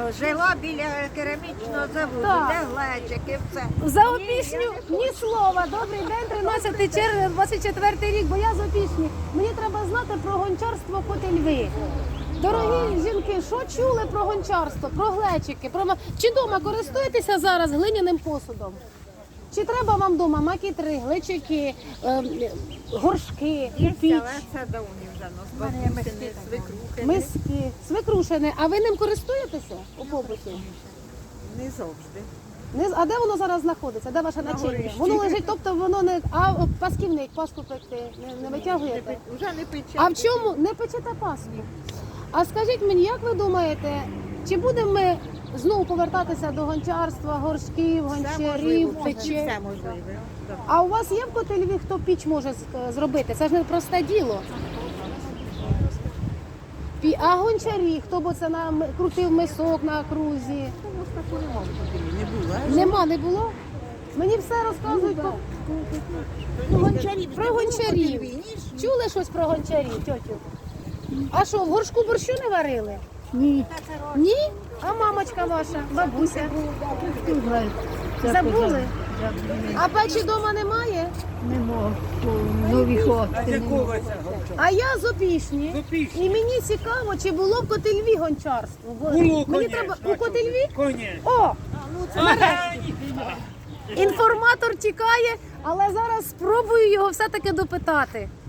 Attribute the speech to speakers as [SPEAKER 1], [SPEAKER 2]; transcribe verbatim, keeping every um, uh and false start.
[SPEAKER 1] жила біля керамічного заводу,
[SPEAKER 2] Так.
[SPEAKER 1] де глечики, все.
[SPEAKER 2] За Опішню ні слова. Добрий день, тринадцяте червня, двадцять четвертий рік, бо я з Опішні. Мені треба знати про гончарство Котельви. Дорогі жінки, що чули про гончарство, про глечики? Про... ма- Чи вдома користуєтеся зараз глиняним посудом? Чи треба вам вдома макітри, глечики, ем, горшки,
[SPEAKER 1] Є,
[SPEAKER 2] піч,
[SPEAKER 1] але це давні вже нас бабусини, свекрухи.
[SPEAKER 2] миски, свекрушини? А ви ним користуєтеся у побуті?
[SPEAKER 1] Не завжди.
[SPEAKER 2] Не з- А де воно зараз знаходиться? Де ваше начиння?
[SPEAKER 1] горищі.
[SPEAKER 2] Воно лежить, тобто воно не. А о, пасківник, паску пекти не, не витягуєте?
[SPEAKER 1] Вже не пече.
[SPEAKER 2] А в чому не печете паску? А скажіть мені, як ви думаєте, чи будемо ми знову повертатися до гончарства, горшків,
[SPEAKER 1] Все
[SPEAKER 2] гончарів,
[SPEAKER 1] можливо,
[SPEAKER 2] печей?
[SPEAKER 1] все можливе. Да.
[SPEAKER 2] А у вас є в Котельві, хто піч може з- зробити? Це ж не просте діло. Пі- А гончарі, хто б це на м- крутив мисок на крузі?
[SPEAKER 1] Не було.
[SPEAKER 2] Нема, не було? Мені все розказують про,
[SPEAKER 1] Ну, гончарів
[SPEAKER 2] про гончарів. Чули щось про гончарів, тьотю? А що, в горшку борщу не варили?
[SPEAKER 3] Ні,
[SPEAKER 2] Ні? А мамочка ваша, бабуся?
[SPEAKER 3] знаю.
[SPEAKER 2] Забули? А печі вдома немає?
[SPEAKER 3] Не можу. Нові хати.
[SPEAKER 2] А я з Опішні. І мені цікаво, чи було в Котельві гончарство. Бо
[SPEAKER 4] Було,
[SPEAKER 2] мені
[SPEAKER 4] конечно.
[SPEAKER 2] треба у Котельві?
[SPEAKER 4] Коні.
[SPEAKER 2] О! Нарешті. Інформатор тікає, але зараз спробую його все-таки допитати.